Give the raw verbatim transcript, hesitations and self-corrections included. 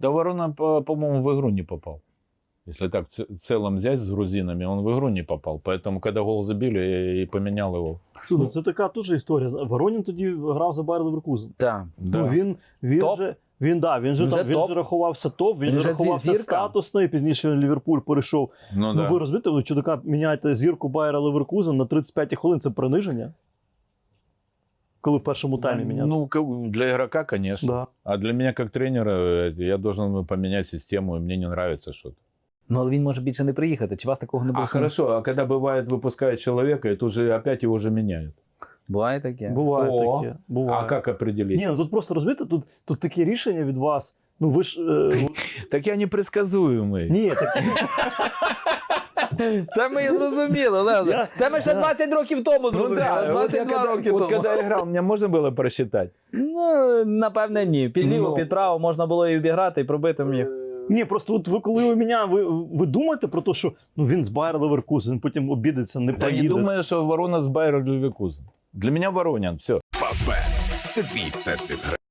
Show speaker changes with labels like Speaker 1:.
Speaker 1: Да Ворона, по- по-моему, в игру не попал. Если так в целом взять с грузинами, он в игру не попал. Поэтому, когда гол забили, я и поменял его.
Speaker 2: Ну, це така теж історія. Воронін тоді грав за Байер Леверкузен.
Speaker 3: Так.
Speaker 1: Да.
Speaker 2: Ну, він, він
Speaker 3: Топ.
Speaker 2: же, він, да, він, же,
Speaker 3: Він
Speaker 2: там,
Speaker 3: же
Speaker 2: він
Speaker 3: топ.
Speaker 2: же рахувався топ, він,
Speaker 3: Він
Speaker 2: же
Speaker 3: же
Speaker 2: рахувався
Speaker 3: зірка.
Speaker 2: статусно, і пізніше в Ліверпуль перейшов.
Speaker 1: Ну,
Speaker 2: Ну
Speaker 1: да.
Speaker 2: ви розумієте, ви чудака міняєте зірку Байера Леверкузен на тридцять п'ять хвилин, це приниження? Коли в першому таймі міняти.
Speaker 1: Ну, к- для игрока, конечно.
Speaker 2: Да.
Speaker 1: А для меня, как тренера, э, я должен поменять систему, и мне не нравится что-то.
Speaker 3: Ну, але він може більше не приїхати. Чи у вас такого не було?
Speaker 1: А хорошо, а когда бывает, выпускают человека, и тут же опять его же меняют.
Speaker 3: Буває таке.
Speaker 2: Буває
Speaker 1: О,
Speaker 2: таке. Буває.
Speaker 1: А как определить?
Speaker 2: Ні, ну тут просто розумієте, тут, тут такі рішення від вас. Ну ви ж. Е,
Speaker 1: Так я непредсказуемый.
Speaker 2: ні, так,
Speaker 3: Це ми і зрозуміли, Лео.
Speaker 2: Я-
Speaker 3: Це ми ще
Speaker 2: я-
Speaker 3: двадцять років тому
Speaker 1: Ну
Speaker 3: зрозуміли.
Speaker 1: да, вот я
Speaker 3: двадцять два
Speaker 1: когда,
Speaker 3: роки
Speaker 1: вот
Speaker 3: тому.
Speaker 1: когда я играл, мне можно было просчитать?
Speaker 3: Ну, напевне, ні. Під ліво,
Speaker 1: Ну.
Speaker 3: під право можна було і обіграти, і пробити міг.
Speaker 2: ні, просто от ви коли ви мене, ви, ви думаєте про те, що ну він з Байер Леверкузен, потім обідеться, не
Speaker 1: Да не
Speaker 2: поїде.
Speaker 1: думаю, что Ворона с Байер Левекузен. Для меня Воронин, все.
Speaker 4: Фавбет – це твій всесвіт.